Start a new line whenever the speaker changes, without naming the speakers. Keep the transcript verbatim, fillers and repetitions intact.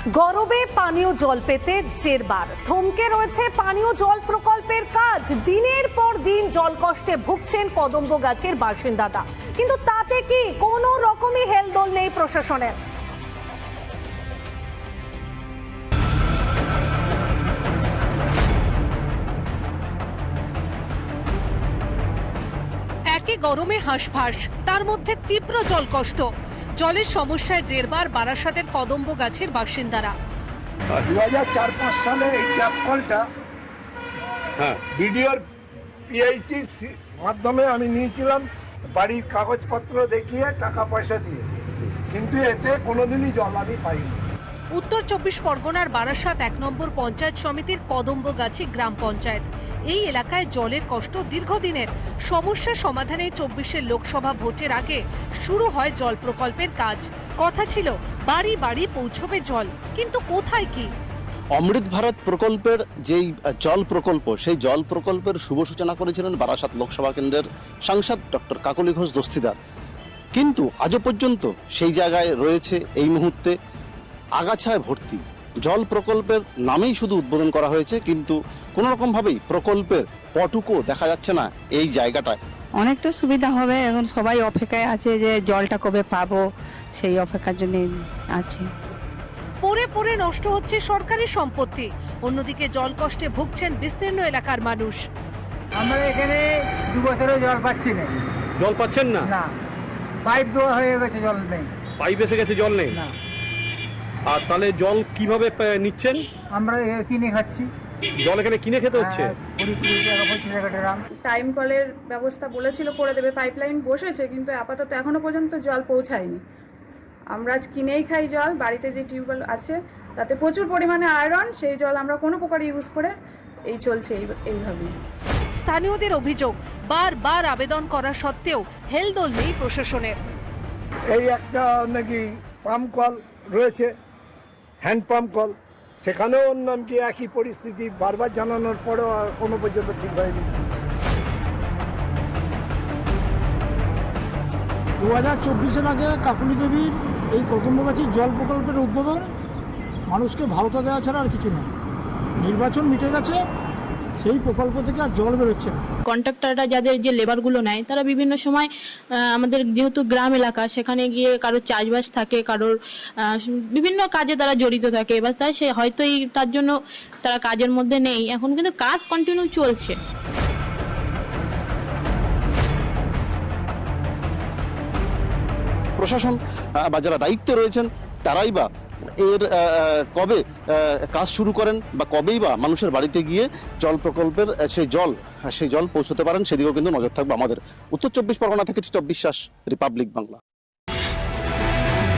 গরবে পানীয় জল পেতে জেরবার থমকে রয়েছে পানীয় জল প্রকল্পের কাজ। দিনের পর দিন জল কষ্টে ভুগছেন কদম্বগাছির বাসিন্দারা, কিন্তু তাতে কি কোনো রকমই হেলদোল নেই প্রশাসনের। একে গরমে হাঁসফাঁস, তার মধ্যে তীব্র জল কষ্ট। জলের সমস্যায় জেরবার বারাসাতের কদম্বগাছির বাসিন্দারা।
দু হাজার চার পাঁচ সালে এই ট্যাপ কলটা হ্যাঁ বিডিওর পিএইচির মাধ্যমে আমি নিয়েছিলাম, বাড়ির কাগজপত্র দেখিয়ে টাকা পয়সা দিয়ে, কিন্তু এতে কোনোদিনই জল আমি পাইনি।
উত্তর চব্বিশ পরগনার বারাসাত এক নম্বর পঞ্চায়েত সমিতির কদম্বগাছি গ্রাম পঞ্চায়েত। এই এলাকায় জলের কষ্ট দীর্ঘদিনের। সমস্যা সমাধানে চব্বিশের লোকসভা ভোটের আগে শুরু হয় জল প্রকল্পের কাজ। কথা ছিল বাড়ি বাড়ি পৌঁছবে জল, কিন্তু কোথায় কি?
অমৃত ভারত প্রকল্পের যেই জল প্রকল্প, সেই জল প্রকল্পের শুভ সূচনা করেছিলেন বারাসাত লোকসভা কেন্দ্রের সাংসদ ডক্টর কাকলি ঘোষ দস্তিদার, কিন্তু আজও পর্যন্ত সেই জায়গায় রয়েছে এই মুহূর্তে আগাছায় ভর্তি। জল প্রকল্পের নামেই শুধু উদ্বোধন করা হয়েছে, কিন্তু কোনো রকমভাবেই প্রকল্পের পটুকো দেখা যাচ্ছে না এই জায়গাটায়।
অনেকটা সুবিধা হবে, এখন সবাই অপেক্ষায় আছে যে জলটা কবে পাবো, সেই অপেক্ষার জন্য আছে।
পড়ে পড়ে নষ্ট হচ্ছে সরকারি সম্পত্তি, অন্যদিকে জল কষ্টে ভুগছেন বিস্তীর্ণ এলাকার মানুষ।
আমরা এখানে দু বছরে জল পাচ্ছি না।
জল পাচ্ছেন না?
না, পাইপ দেওয়া হয়ে গেছে, জল নেই।
পাইপ এসে গেছে, জল নেই।
না।
আর তাহলে জল কিভাবে পে- নিচ্ছেন?
আমরা এ কিনে খাচ্ছি।
জল এখানে কিনে খেতে হচ্ছে?
হ্যাঁ, কুড়ি কুড়ি টাকা পঁচিশ টাকা ড্রাম।
টাইম কলের ব্যবস্থা বলেছিল করে দেবে, পাইপলাইন বসেছে, কিন্তু আপাতত এখনো পর্যন্ত জল পৌঁছায়নি। আমরা আজ কিনেই খাই জল। বাড়িতে যে টিউবওয়েল আছে তাতে প্রচুর পরিমাণে আয়রন, সেই জল আমরা কোনো প্রকার ইউজ করে এই চলছে এই- এইভাবেই।
স্থানীয়দের অভিযোগ, বারবার আবেদন করা সত্ত্বেও হেলদোল নেই প্রশাসনের।
এই একটা নাকি পাম্প কল রয়েছে, হ্যান্ড পাম্প কল, সেখানেও ওর নাম কি একই পরিস্থিতি, বারবার জানানোর পরেও আর কোনো পর্যন্ত ঠিক হয়নি।
দু হাজার চব্বিশের আগে কাকুলি দেবীর এই কদম্বগাছির জল প্রকল্পের উদ্বোধন, মানুষকে ভাওতা দেওয়া ছাড়া আর কিছু না। নির্বাচন মিটে গেছে, সেই প্রকল্প থেকে আর জল বেরোচ্ছে না।
কন্ট্রাক্টররা যাদের যে লেবারগুলো নেয়, তারা বিভিন্ন সময় আমাদের যেহেতু গ্রাম এলাকা, সেখানে গিয়ে কারোর চাষবাস থাকে, কারোর বিভিন্ন কাজে তারা জড়িত থাকে, এবার তাই সে হয়তো এই তার জন্য তারা কাজের মধ্যে নেই। এখন কিন্তু কাজ কন্টিনিউ চলছে।
প্রশাসন বা যারা দায়িত্বে রয়েছেন তারাই বা এর কবে কাজ শুরু করেন, বা কবেই বা মানুষের বাড়িতে গিয়ে জল প্রকল্পের সেই জল সেই জল পৌঁছতে পারেন, সেদিকেও কিন্তু নজর থাকবে আমাদের। উত্তর চব্বিশ পরগনা থেকে টিটপ বিশ্বাস, রিপাবলিক বাংলা।